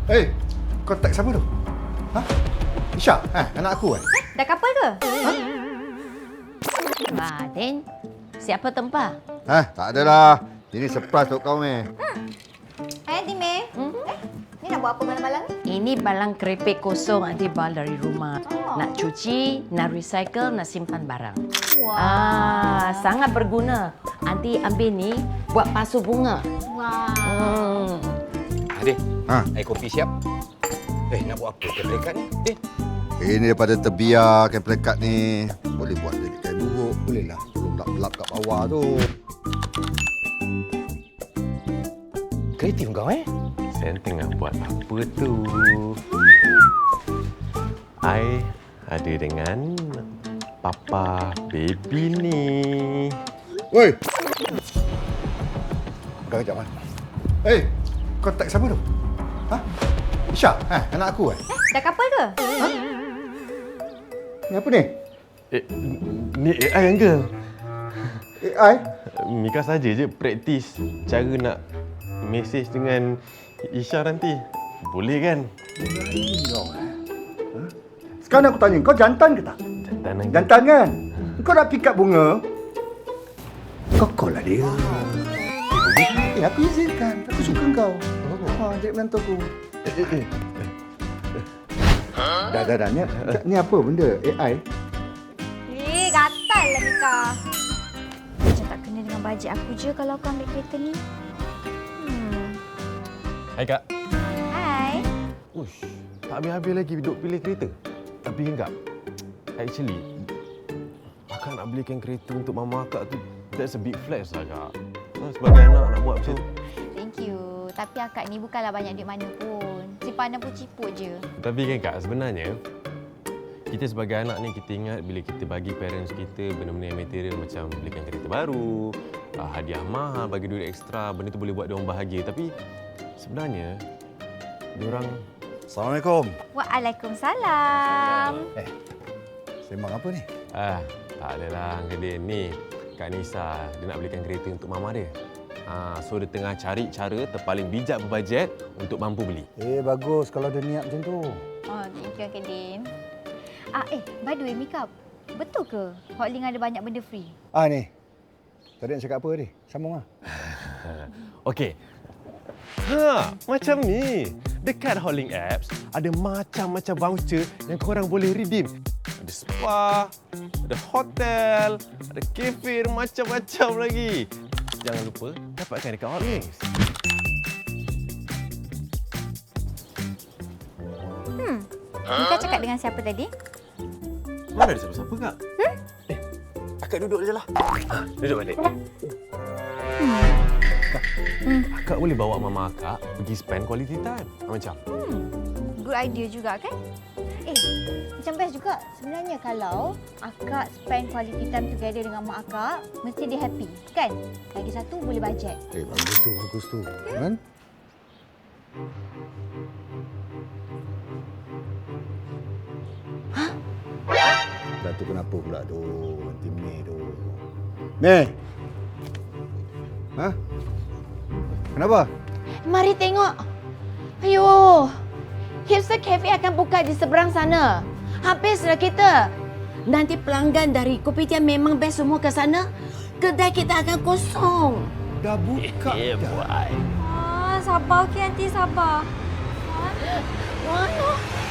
Eh, kau tag siapa tu? Ha? Isha? Anak aku Dah couple ke? Then, siapa tempah? Tak adalah. Ini surprise untuk kau, Meh. Dime. Ni nak buat apa malam-malam ni? Ini balang keripik kosong Aunty bal dari rumah. Oh. Nak cuci, nak recycle, nak simpan barang. Wah. Sangat berguna. Aunty ambil ni buat pasu bunga. Wah. Adik, Ha? air kopi siap. Nak buat apa ke dekat ni? Ini daripada terbiar kain pelekat ni. Boleh buat jadi kain buruk. Boleh lah. Tolong lap-lap kat bawah tu. Kreatif kau Saya tengah buat apa tu? I ada dengan Papa Baby ni. Woi! Dah kejap, Man. Eh, kau tag siapa tu? Ha? Isha? Anak aku Dah couple ke? Ni apa ni? Ni AI uncle. AI? Mika saja je praktis cara nak mesej dengan Isha nanti. Boleh kan? Kau, Sekarang aku tanya, kau jantan ke tak? Jantan uncle. Jantan kan? Kau nak pick up bunga? Kau lah dia. Aku izinkan. Aku suka kau. Jadi menantu aku. Dah. Ni apa benda? AI? Gatal lah Mika. Macam tak kena dengan bajet aku je kalau kau ambil kereta ni. Hai Kak. Hai. Ush, tak habis-habis lagi duduk pilih kereta. Tapi enggak. Actually, Akak nak belikan kereta untuk mama Akak tu, that's a big flex lah Kak. Sebagai anak nak buat macam tu. Thank you. Tapi akak ni bukanlah banyak duit mana pun. Simpanan pun ciput je. Tapi kan Kak, sebenarnya kita sebagai anak ni, kita ingat bila kita bagi parents kita benda-benda yang material macam belikan kereta baru, hadiah mahal, bagi duit ekstra, benda tu boleh buat dia orang bahagia. Tapi sebenarnya, diorang... Assalamualaikum. Waalaikumsalam. Sembang apa ni? Tak adalah Uncle Din. Ni, Kak Nisa, dia nak belikan kereta untuk mama dia. So dia tengah cari cara terpaling bijak berbajet untuk mampu beli. Bagus kalau dia niat macam tu. Oh, thank you Uncle Din. By the way Mika, betul ke Hotlink ada banyak benda free? Ni. Tadi nak cakap apa tadi? Sambung lah. Okey. Macam ni. Dekat Hotlink Apps, ada macam-macam voucher yang korang boleh redeem. Ada spa, ada hotel, ada kafe, macam-macam lagi. Jangan lupa dapatkan dekat Hotlink. Mika cakap dengan siapa tadi? Mana ada siapa-siapa, Kak? Akak duduk je lah. Duduk balik. Akak boleh bawa mama akak pergi spend quality time. Macam? Good idea juga kan? Macam best juga. Sebenarnya kalau akak spend quality time together dengan mak akak, mesti dia happy, kan? Lagi satu boleh bajet. Bagus tu. Kan? Dah tu kenapa pula tu? Nanti Mei tu. Mei! Kenapa? Mari tengok. Ayuh. Hipster Cafe akan buka di seberang sana. Habislah kita. Nanti pelanggan dari Kopitiam memang best semua ke sana. Kedai kita akan kosong. Dah buka dah. Sabar okey nanti sabar. Mana?